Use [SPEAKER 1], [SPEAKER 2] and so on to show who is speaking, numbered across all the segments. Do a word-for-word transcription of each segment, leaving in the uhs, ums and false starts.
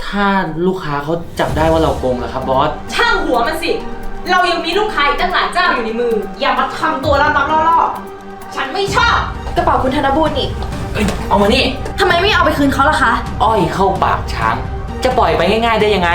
[SPEAKER 1] ถ้าลูกค้าเขาจับได้ว่าเราโกงล่ะครับบอส
[SPEAKER 2] ช่างหัวมันสิ เรายังมีลูกค้าอีกตั้งหลายเจ้าอยู่ในมือ อย่ามาทำตัวลับๆล่อๆฉันไม่ชอบ
[SPEAKER 3] กระเป๋าคุณธนบูรณ์นี่
[SPEAKER 1] เอ้ยเอามานี่
[SPEAKER 3] ทำไมไม่เอาไปคืนเขาล่ะคะ
[SPEAKER 1] อ้อยเข้าปากช้างจะปล่อยไปง่ายๆได้ยังไง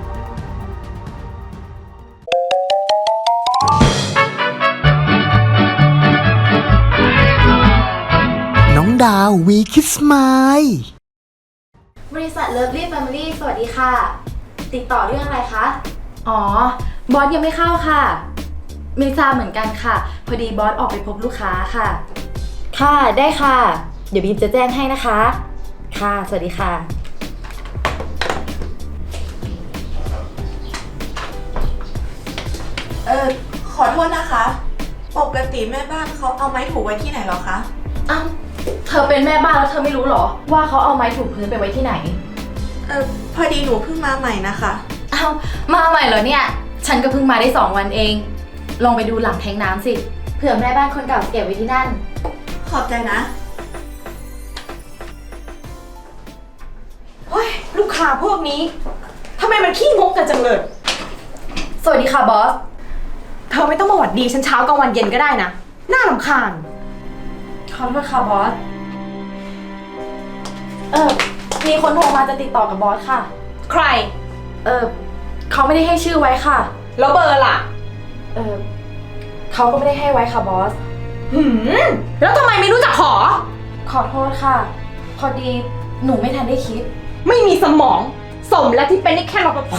[SPEAKER 4] น้องดาววีคิสมาย
[SPEAKER 3] บริษัทเลิฟลี่แฟมิลี่สวัสดีค่ะติดต่อเรื่องอะไรคะอ๋อบอสยังไม่เข้าค่ะไม่ทราบเหมือนกันค่ะพอดีบอสออกไปพบลูกค้าค่ะค่ะได้ค่ะเดี๋ยวบีมจะแจ้งให้นะคะค่ะสวัสดีค่ะ
[SPEAKER 5] เออขอโทษนะคะปกติแม่บ้านเขาเอาไม้ถูไว้ที่ไหนหรอคะ
[SPEAKER 3] อ้าวเธอเป็นแม่บ้านแล้วเธอไม่รู้หรอว่าเขาเอาไม้ถูพื้นไปไว้ที่ไหน
[SPEAKER 5] เออพอดีหนูเพิ่งมาใหม่นะคะ
[SPEAKER 3] อ้าวมาใหม่เหรอเนี่ยฉันก็เพิ่งมาได้สองวันเองลองไปดูหลังแทงน้ำสิเผื่อแม่บ้านคนเก่าเก็บไว้ที่นั่น
[SPEAKER 5] ขอบใจนะ
[SPEAKER 2] เฮ้ยลูกค้าพวกนี้ทำไมมันขี้งกกันจังเลย
[SPEAKER 3] สวัสดีค่ะบอส
[SPEAKER 2] เธอไม่ต้องมาหวัดดีฉันเช้ากลางวันเย็นก็ได้นะน่ารำคาญ
[SPEAKER 3] ขอโทษค่ะบอสเออมีคนโทรมาจะติดต่อกับบอสค่ะ
[SPEAKER 2] ใคร
[SPEAKER 3] เออเขาไม่ได้ให้ชื่อไว้ค่ะ
[SPEAKER 2] แล้วเบอร์ล่ะ
[SPEAKER 3] เออเขาก็ไม่ได้ให้ไว้ค่ะบอส
[SPEAKER 2] หืมแล้วทำไมไม่รู้จักขอ
[SPEAKER 3] ขอโทษค่ะพอดีหนูไม่ทันได้คิด
[SPEAKER 2] ไม่มีสมองสมและที่เป็นได้แค่รปภ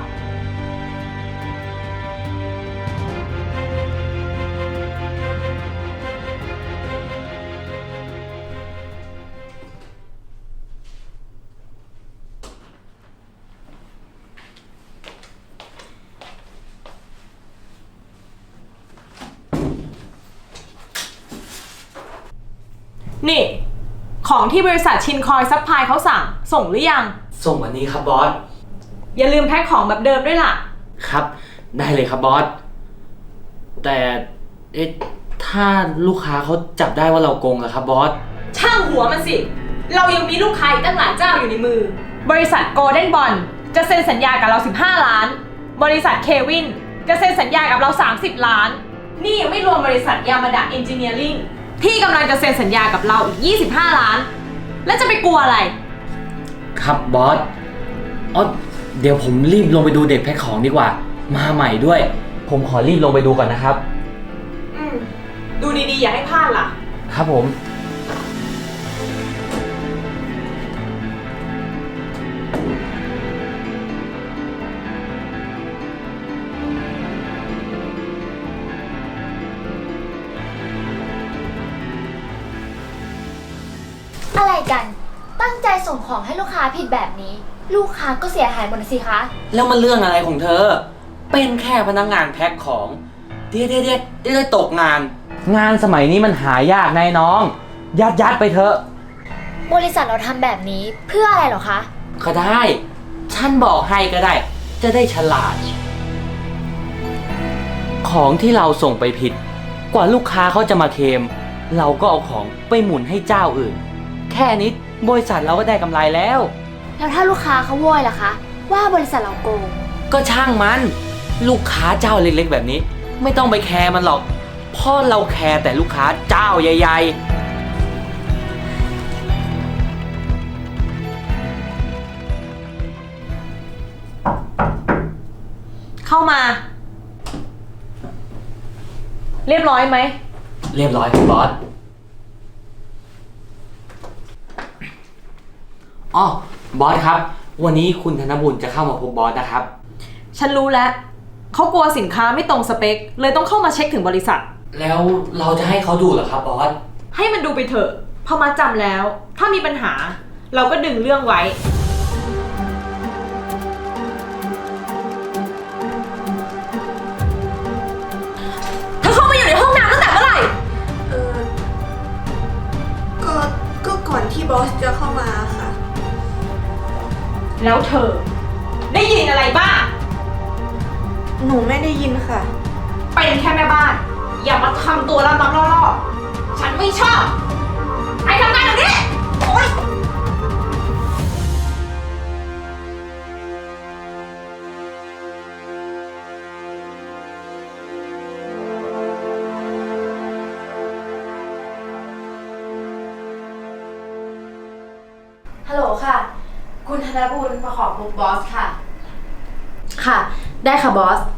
[SPEAKER 2] นี่ของที่บริษัทชินคอยซัพพลายเขาสั่งส่งหรือยัง
[SPEAKER 1] ส่งวันนี้ครับบอส
[SPEAKER 2] อย่าลืมแพ็คของแบบเดิมด้วยล่ะ
[SPEAKER 1] ครับได้เลยครับบอสแต่เอ๊ะถ้าลูกค้าเขาจับได้ว่าเราโกงล่ะครับบอส
[SPEAKER 2] ช่างหัวมันสิเรายังมีลูกค้าอีกตั้งหลายเจ้าอยู่ในมือบริษัทโกลเด้นบอลจะเซ็นสัญญากับเราสิบห้าล้านบริษัทเควินจะเซ็นสัญญากับเราสามสิบล้านนี่ยังไม่รวมบริษัทยามาดะเอนจิเนียริ่งที่กำลังจะเซ็นสัญญากับเราอีกยี่สิบห้าล้านแล้วจะไปกลัวอะไร
[SPEAKER 1] ครับบอสอ๋อเดี๋ยวผมรีบลงไปดูเด็กแพ็คของดีกว่ามาใหม่ด้วยผมขอรีบลงไปดูก่อนนะครับ
[SPEAKER 2] อืมดูดีๆอย่าให้พลาดล่ะ
[SPEAKER 1] ครับผม
[SPEAKER 6] อะไรกันตั้งใจส่งของให้ลูกค้าผิดแบบนี้ลูกค้าก็เสียหายหมดสิคะ
[SPEAKER 1] แล้วมันเรื่องอะไรของเธอเป็นแค่พนักงานแพ็คของเดี๋ยวเดี๋ยวเดี๋ยวได้ตกงานงานสมัยนี้มันหายากนายน้องยัดยัดไปเถอะ
[SPEAKER 6] บริษัทเราทำแบบนี้เพื่ออะไรหรอคะ
[SPEAKER 1] ก็ได้ฉันบอกให้ก็ได้จะได้ฉลาดของที่เราส่งไปผิดกว่าลูกค้าเขาจะมาเคลมเราก็เอาของไปหมุนให้เจ้าอื่นแค่นี้บริษัทเราก็ได้กำไรแล้ว
[SPEAKER 6] แล้วถ้าลูกค้าเขาโวยล่ะคะว่าบริษัทเราโกง
[SPEAKER 1] ก็ช่างมันลูกค้าเจ้าเล็กๆแบบนี้ไม่ต้องไปแคร์มันหรอกเพราะเราแคร์แต่ลูกค้าเจ้าใหญ่
[SPEAKER 2] ๆเข้ามาเรียบร้อยไหม
[SPEAKER 1] เรียบร้อยครับบอสอ๋อบอสครับวันนี้คุณธนบุญจะเข้ามาพบบอสนะครับ
[SPEAKER 2] ฉันรู้แล้วเขากลัวสินค้าไม่ตรงสเปคเลยต้องเข้ามาเช็คถึงบริษัท
[SPEAKER 1] แล้วเราจะให้เขาดูเหรอครับบอส
[SPEAKER 2] ให้มันดูไปเถอะพอมาจำแล้วถ้ามีปัญหาเราก็ดึงเรื่องไว้เธอเข้ามาอยู่ในห้องน้ำตั้งแต่เมื่อไหร่
[SPEAKER 5] เออก็ก็ก่อนที่บอสจะเข้ามาค่ะ
[SPEAKER 2] แล้วเธอได้ยินอะไรบ้าง
[SPEAKER 5] หนูไม่ได้ยินค่ะ
[SPEAKER 2] เป็นแค่แม่บ้านอย่ามาทำตัวลับๆล่อๆฉันไม่ชอบไปทำงานเดี๋ยวนี้โอ๊ย
[SPEAKER 3] นบูลมาขอพบบอสค่ะ ค่ะ ได้ค่ะบอส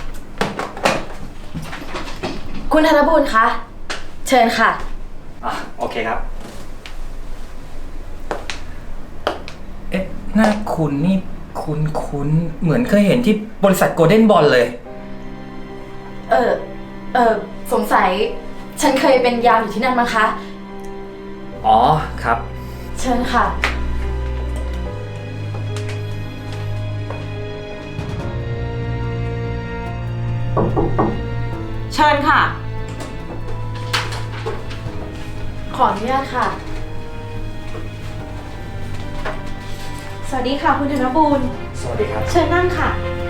[SPEAKER 3] คุณธนบูลคะ เชิญค่ะ
[SPEAKER 1] อ่ะโอเคครับ เอ๊ะหน้าคุณนี่คุณคุณเหมือนเคยเห็นที่บริษัทโกลเด้นบอลเลย
[SPEAKER 3] เออ เออสงสัย ฉันเคยเป็นยามอยู่ที่นั่นมั้งคะ
[SPEAKER 1] อ๋อครับ
[SPEAKER 3] เชิญค่ะ
[SPEAKER 2] เชิญค่ะ
[SPEAKER 3] ขออนุญาตค่ะ
[SPEAKER 2] สวัสดีค่ะคุณธนบูล
[SPEAKER 1] สวัสดีครับ
[SPEAKER 2] เชิญนั่งค่ะ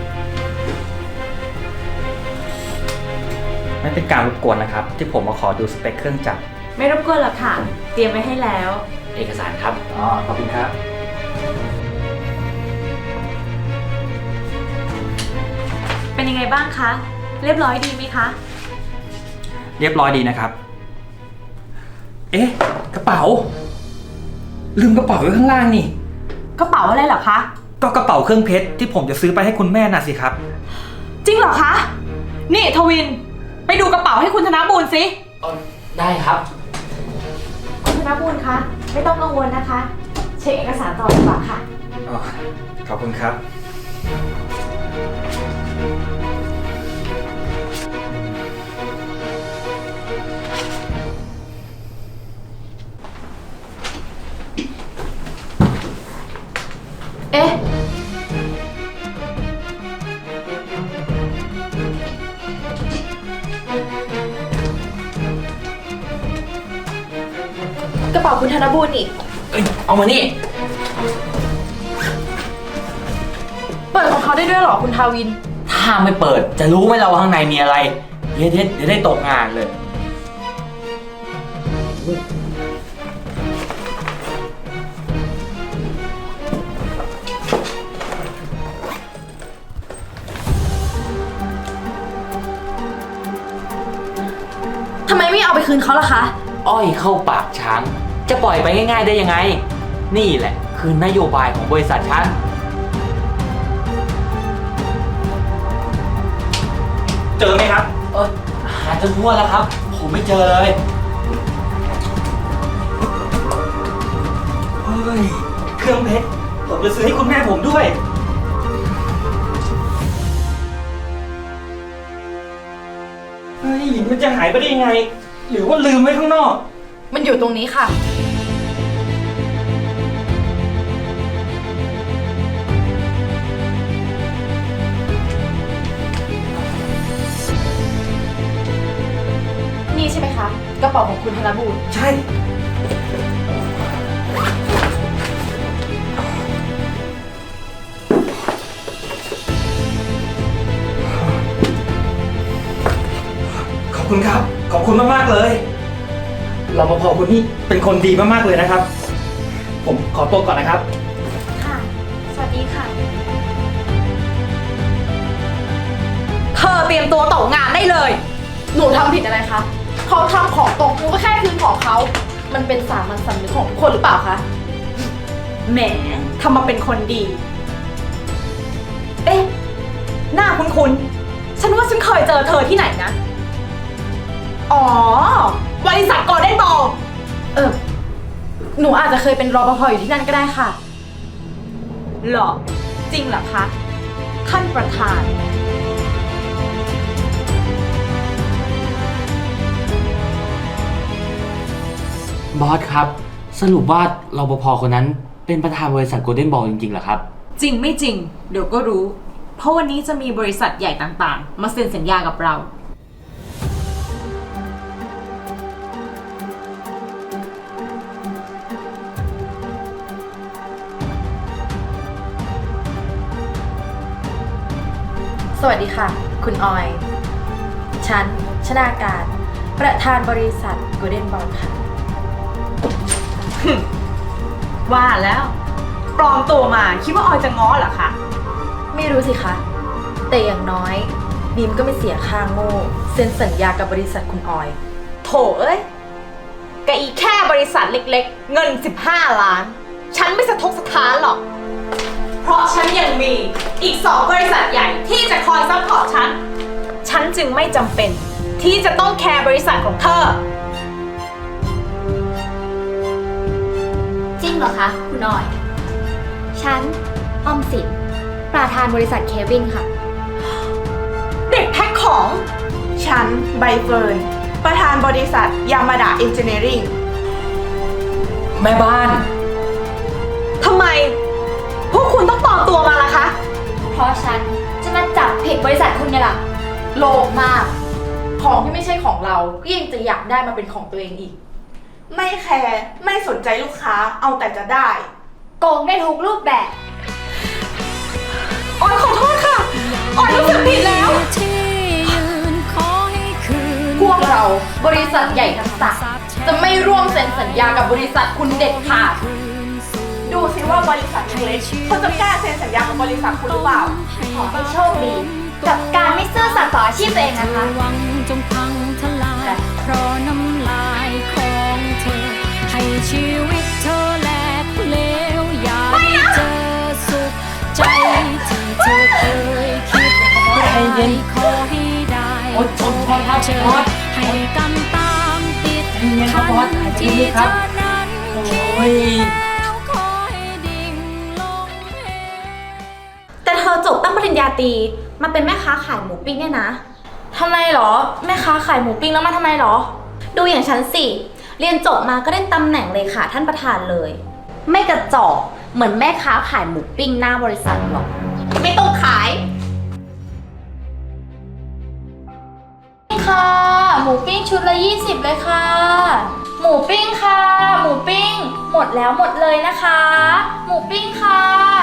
[SPEAKER 1] ไม่เป็นการรบกวนนะครับ ที่ผมมาขอดูสเปคเครื่องจักร
[SPEAKER 2] ไม่รบกวนหรอกค่ะ เตรียมไว้ให้แล้ว
[SPEAKER 1] เอกสารครับ อ๋อ ขอบคุณครับ
[SPEAKER 2] เป็นยังไงบ้างคะ เรียบร้อยดีไหมคะ
[SPEAKER 1] เรียบร้อยดีนะครับ เอ๊ะ กระเป๋า ลืมกระเป๋าไว้ข้างล่างนี่
[SPEAKER 2] กระเป๋าอะไรเหรอคะ
[SPEAKER 1] ก็กระเป๋าเครื่องเพชรที่ผมจะซื้อไปให้คุณแม่น่ะสิครับ
[SPEAKER 2] จริงเหรอคะ นี่ทวิน ไปดูกระเป๋าให้คุณธนบูลสิ
[SPEAKER 1] ได้ครับ
[SPEAKER 2] คุณธนบูลคะ ไม่ต้องกังวลนะคะ เช็คเอกสารต่อดีกว่าค่ะ
[SPEAKER 1] อ๋อ ขอบคุณครับ
[SPEAKER 3] เอ๊ะ กระเป๋าคุณธนบูลอีก
[SPEAKER 1] เอ้ย เอามานี่
[SPEAKER 3] เปิดของเขาได้ด้วยเหรอคุณทาวิน
[SPEAKER 1] ถ้าไม่เปิดจะรู้ไหมเราว่าข้างในมีอะไร เดี๋ยวเดี๋ยวเดี๋ยวได้ตกงานเลย
[SPEAKER 3] ทำไมไม่เอาไปคืนเขาล่ะคะ
[SPEAKER 1] อ้อยเข้าปากช้าง จะปล่อยไปง่ายๆได้ยังไง นี่แหละคือนโยบายของบริษัทฉัน เจอไหมครับ เออหาจนทั่วแล้วครับ ผมไม่เจอเลย เฮ้ย เครื่องเพชร ผมจะซื้อให้คุณแม่ผมด้วย เฮ้ย มันจะหายไปได้ยังไง หรือว่าลืมไว้ข้างนอก
[SPEAKER 3] มันอยู่ตรงนี้ค่ะ นี่ใช่ไหมคะ กระเป๋าของคุณธนบูล
[SPEAKER 1] ใช่ ขอบคุณครับ ขอบคุณมากๆเลยรปภคนนี้เป็นคนดีมากๆเลยนะครับ ผมขอตัวก่อนนะครับ
[SPEAKER 6] ค่ะ สวัสดีค่ะ
[SPEAKER 2] เธอเตรียมตัวตกงานได้เลย
[SPEAKER 3] หนูทำผิดอะไรคะ เขาทำของตกหนูก็แค่คืนของเขา มันเป็นสามัญสำนึกของทุกคนหรือเปล่าคะ
[SPEAKER 2] แหมทำมาเป็นคนดี เอ๊ะ หน้าคุ้นๆ ฉันว่าฉันเคยเจอเธอที่ไหนนะ อ๋อ บริษัทโกลเด้นบอล
[SPEAKER 3] เออ หนูอาจจะเคยเป็นรปภอยู่ที่นั่นก็ได้ค่ะ
[SPEAKER 2] เหรอ จริงเหรอคะ ท่านประธาน
[SPEAKER 1] บอสครับ สรุปว่ารปภคนนั้นเป็นประธานบริษัทโกลเด้นบอลจริงๆเหรอครับ
[SPEAKER 2] จริงไม่จริง เดี๋ยวก็รู้ เพราะวันนี้จะมีบริษัทใหญ่ต่างๆ มาเซ็นสัญญากับเรา
[SPEAKER 3] สวัสดีค่ะ คุณออย ฉัน ชนาการ ประธานบริษัท Golden Ball ค่ะ
[SPEAKER 2] ว่าแล้วปลอมตัวมาคิดว่าออยจะง้อเหรอคะ
[SPEAKER 3] ไม่รู้สิคะ แต่อย่างน้อยบีมก็ไม่เสียค่าโง่เซ็นสัญญากับบริษัทคุณออย
[SPEAKER 2] โถเอ้ยกะอีแค่บริษัทเล็กๆ เงินสิบห้าล้าน ฉันไม่สะทกสะท้านหรอกราะฉันยังมีอีกสองบริษัทใหญ่ที่จะคอยซัพพอร์ตฉัน ฉันจึงไม่จำเป็นที่จะต้องแคร์บริษัทของเธอ
[SPEAKER 6] จริงเหรอคะคุณออย ฉันออมสินประธานบริษัทเควินค่ะ
[SPEAKER 2] เด็กแพ็คของ
[SPEAKER 5] ฉันใบเฟิร์น ประธานบริษัทยามาดาเอนจิเนียริง
[SPEAKER 1] แม่บ้าน
[SPEAKER 2] ทำไม พวกคุณต้องปลอมตัวมาล่ะคะ
[SPEAKER 6] เพราะฉันจะมาจับผิดบริษัทคุณไงล่ะ
[SPEAKER 3] โลภมาก ของที่ไม่ใช่ของเราก็ยังจะอยากได้มาเป็นของตัวเองอีก
[SPEAKER 5] ไม่แคร์ไม่สนใจลูกค้าเอาแต่จะได้
[SPEAKER 6] โกงได้ทุกรูปแบบ
[SPEAKER 2] ออยขอโทษค่ะ ออยรู้สึกผิดแล้ว
[SPEAKER 3] พวกเราบริษัทใหญ่ทั้งสามจะไม่ร่วมเซ็นสัญญากับบริษัทคุณเด็ดขาด
[SPEAKER 5] ดูสิว่าบริษัทเล็กๆเขาจะกล้าเซ็นสัญญากับบริษัทคุณหรือเปล่า
[SPEAKER 6] ขอให้โชคดี กับการไม่ซื่อสัตย์ต่ออาชีพตัวเองนะคะ
[SPEAKER 7] วังจงพังทลาย เพราะน้ำลายของเธอ ให้ชีวิตเธอแหลกเหลวอย่าได้เจอสุขใจที่เธอเคยคิดร้ายขอให้ได้
[SPEAKER 1] โอ๊ยชนพอครับ
[SPEAKER 7] เจอ
[SPEAKER 1] พอด
[SPEAKER 7] ให้กำตามติด
[SPEAKER 1] ใจเย็นครับ
[SPEAKER 7] ทั
[SPEAKER 1] พอดหายใจ
[SPEAKER 7] ที่
[SPEAKER 1] ลึกๆ
[SPEAKER 7] เธ
[SPEAKER 1] ครับ
[SPEAKER 7] อนั้น
[SPEAKER 1] โอ้
[SPEAKER 7] คิด
[SPEAKER 1] ย
[SPEAKER 7] แล้วขอให้ดิ่งลงเหว
[SPEAKER 8] แต่เธอจบตั้งปริญญาตรีมาเป็นแม่ค้าขายหมูปิ้งเนี่ยนะทำไมหรอแม่ค้าขายหมูปิ้งแล้วมาทำไมหรอ ดูอย่างฉันสิเรียนจบมาก็ได้ตำแหน่งเลขาท่านประธานเลย ไม่กระจอกเหมือนแม่ค้าขายหมูปิ้งหน้าบริษัทหรอกไม่ต้องขายค่ะหมูปิ้งชุดละยี่สิบเลยค่ะ หมูปิ้งค่ะ หมูปิ้ง หมดแล้วหมดเลยนะคะ หมูปิ้งค่ะ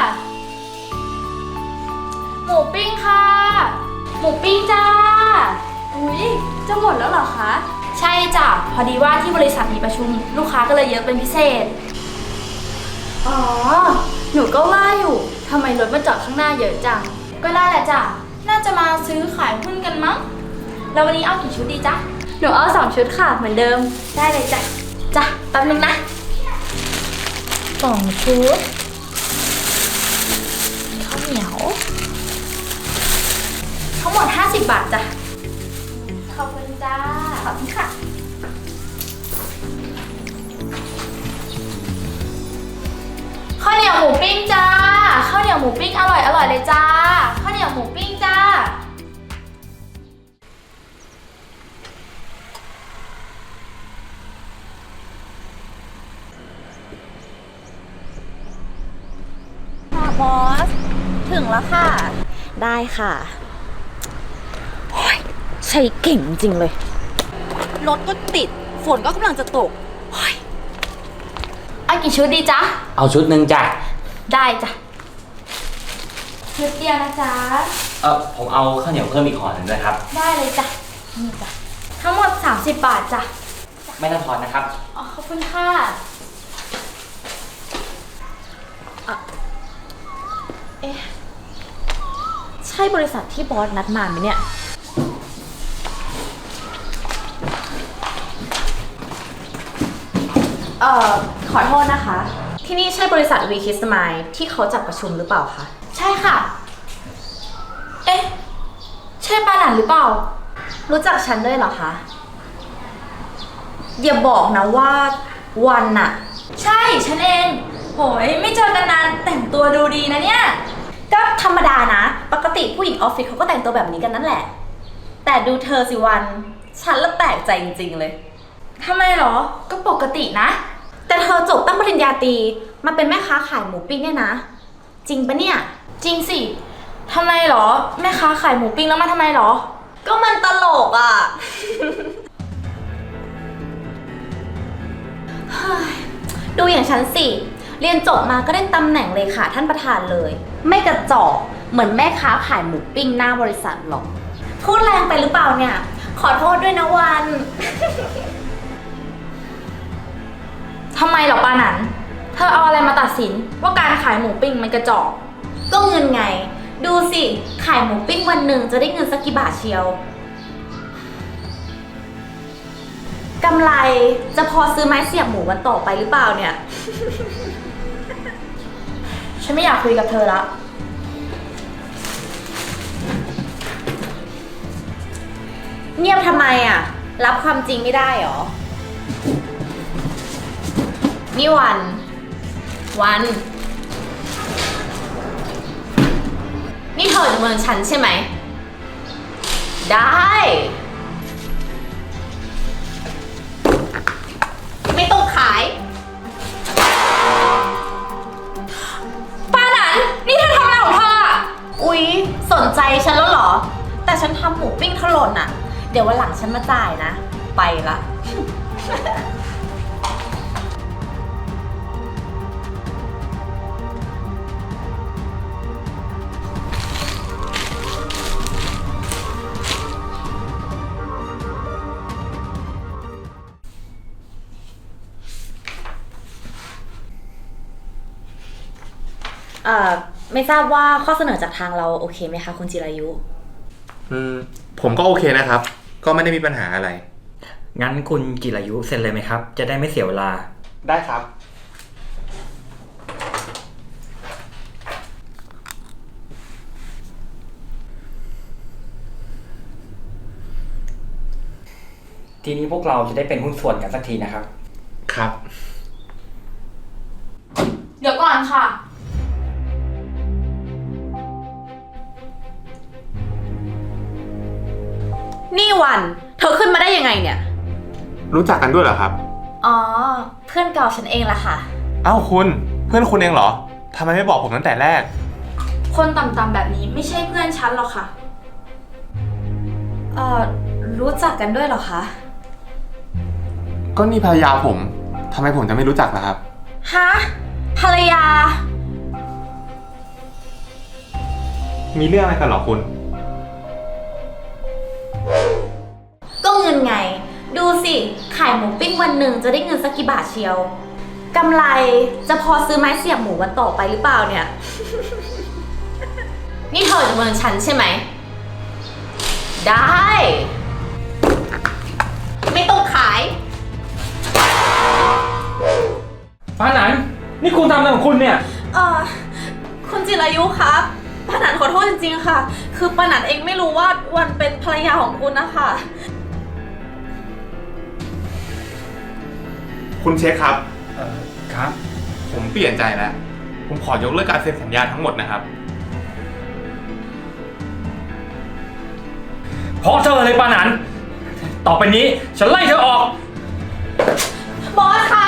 [SPEAKER 8] หมูปิ้งค่ะ หมูปิ้งจ้า อุ๊ย จะหมดแล้วเหรอคะ ใช่จ้ะ พอดีว่าที่บริษัทมีประชุม ลูกค้าก็เลยเยอะเป็นพิเศษ อ๋อ หนูก็ว่าอยู่ ทำไมรถมาจอดข้างหน้าเยอะจัง ก็น่าแหละจ้ะ น่าจะมาซื้อขายหุ้นกันมั้ง แล้ววันนี้เอากี่ชุดดีจ๊ะ หนูเอาสองชุดค่ะ เหมือนเดิม ได้เลยจ้ะ จ้ะ แป๊บนึงนะสองชุด ข้าวเหนียว ทั้งหมดห้าสิบบาทจ้ะ ขอบคุณจ้า ขอบคุณค่ะ ข้าวเหนียวหมูปิ้งจ้า ข้าวเหนียวหมูปิ้งอร่อยอร่อยเลยจ้า ข้าวเหนียวหมูปิ้งจ้าค่ะบอส ถึงแล้วค่ะ ได้ค่ะโอ๊ยใช้เก่งจริงเลย รถก็ติด ฝนก็กำลังจะตกโอ๊ยเอากี่ชุดดีจ๊ะ
[SPEAKER 1] เอาชุดหนึ่งจ้ะ
[SPEAKER 8] ได้จ้ะ ชุดเดียวนะจ๊ะ
[SPEAKER 1] เออผมเอาข้าวเหนียวเพิ่มอีกห่อหนึ่งด้วยครับ
[SPEAKER 8] ได้เลยจ้ะ นี่จ้ะ ทั้งหมดสามสิบบาทจ้ะ
[SPEAKER 1] ไม่ต้องทอนนะครับ
[SPEAKER 8] อ๋อ ขอบคุณค่ะอ่ะ เอ๊ะ ใช่บริษัทที่บอสนัดมาไหมเนี่ย เอ่อ ขอโทษนะคะ ที่นี่ใช่บริษัท วี คิส Smile ที่เขาจัดประชุมหรือเปล่าคะ ใช่ค่ะ เอ๊ะ ใช่ปาหนันหรือเปล่า รู้จักฉันด้วยเหรอคะ อย่าบอกนะว่าวันน่ะ ใช่ฉันเองโหยไม่เจอกันนานแต่งตัวดูดีนะเนี่ย ก็ธรรมดานะ ปกติผู้หญิงออฟฟิศเขาก็แต่งตัวแบบนี้กันนั่นแหละ แต่ดูเธอสิวัน ฉันละแปลกใจจริงๆเลยทำไมหรอ ก็ปกตินะ แต่เธอจบตั้งปริญญาตรีมาเป็นแม่ค้าขายหมูปิ้งเนี่ยนะ จริงปะเนี่ย จริงสิทำไมหรอ แม่ค้าขายหมูปิ้งแล้วมาทำไมหรอ ก็มันตลกอ่ะ ดูอย่างฉันสิ เรียนจบมาก็ได้ตำแหน่งเลขาท่านประธานเลย ไม่กระจอกเหมือนแม่ค้าขายหมูปิ้งหน้าบริษัทหรอก พูดแรงไปหรือเปล่าเนี่ย ขอโทษด้วยนะวัน ทำไมหรอปาหนัน เธอเอาอะไรมาตัดสินว่าการขายหมูปิ้งมันกระจอก ก็เงินไง ดูสิ ขายหมูปิ้งวันหนึ่งจะได้เงินสักกี่บาทเชียว กำไรจะพอซื้อไม้เสียบหมูวันต่อไปหรือเปล่าเนี่ย
[SPEAKER 1] ฉ
[SPEAKER 8] ฉันไม่อยากคุยกับเธอละ เงียบทำไมอ่ะ รับความจริงไม่ได้หรอ นี่วัน วัน นี่เธอจะเมินฉันใช่ไหม ได้ ไม่ต้องขาย ป้าหนันนี่เธอทำอะไรของเธออะอุ๊ย สนใจฉันแล้วเหรอ แต่ฉันทำหมูปิ้งถล่นอะเดี๋ยววันหลังฉันมาจ่ายนะ ไปละ เอ่อ ไม่ทราบว่าข้อเสนอจากทางเราโอเคไหมคะคุณจิรายุ
[SPEAKER 9] อืม ผมก็โอเคนะครับ ก็ไม่ได้มีปัญหาอะไร
[SPEAKER 10] งั้นคุณจิรายุเซ็นเลยไหมครับ จะได้ไม่เสียเวลา
[SPEAKER 9] ได้ครับ
[SPEAKER 10] ทีนี้พวกเราจะได้เป็นหุ้นส่วนกันสักทีนะครับ
[SPEAKER 9] ครับ
[SPEAKER 8] เดี๋ยวก่อนค่ะ นี่วัน เธอขึ้นมาได้ยังไงเนี่ย
[SPEAKER 9] รู้จักกันด้วยเหรอครับ
[SPEAKER 8] อ๋อ เพื่อนเก่าฉันเองละค่ะ
[SPEAKER 9] เอ้าคุณ เพื่อนคุณเองเหรอทำไมไม่บอกผมตั้งแต่แรก
[SPEAKER 8] คนต่ำๆแบบนี้ไม่ใช่เพื่อนฉันหรอกค่ะ เอ่อ รู้จักกันด้วยเหรอคะ
[SPEAKER 9] ก็นี่ภรรยาผมทำไมผมจะไม่รู้จักล่ะครับ
[SPEAKER 8] ฮะ ภรรยา
[SPEAKER 9] มีเรื่องอะไรกันเหรอคุณ
[SPEAKER 8] ก็เงินไง ดูสิ ขายหมูปิ้งวันหนึ่งจะได้เงินสักกี่บาทเชียว กำไรจะพอซื้อไม้เสียบหมูวันต่อไปหรือเปล่าเนี่ย นี่เธอจะเมินฉันใช่ไหม ได้ ไม่ต้องขาย
[SPEAKER 10] ป้าหนันนี่คุณทำอะไรของคุณเนี่ย
[SPEAKER 8] เอ่อ คุณจิรายุครับป้าหนันขอโทษจริงๆค่ะ คือป้าหนันเองไม่รู้ว่าวันเป็นภรรยาของคุณนะคะ
[SPEAKER 9] คุณเช็คครับ
[SPEAKER 10] เอ่อ ครับ
[SPEAKER 9] ผมเปลี่ยนใจแล้ว ผมขอยกเลิกการเซ็นสัญญาทั้งหมดนะครับ
[SPEAKER 10] เพราะเธอเลยป้าหนัน ต่อไปนี้ฉันไล่เธอออก
[SPEAKER 8] บอสคะ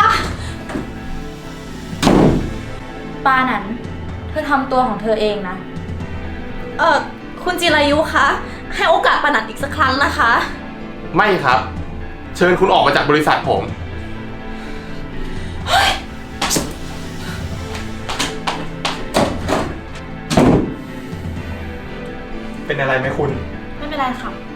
[SPEAKER 8] ป้าหนันเธอทำตัวของเธอเองนะ เออคุณจิรายุคะ ให้โอกาสป้าหนันอีกสักครั้งนะคะ
[SPEAKER 9] ไม่ครับ เชิญคุณออกมาจากบริษัทผม เป็นอะไรไหมคุณ
[SPEAKER 8] ไม่เป็นไรค่ะ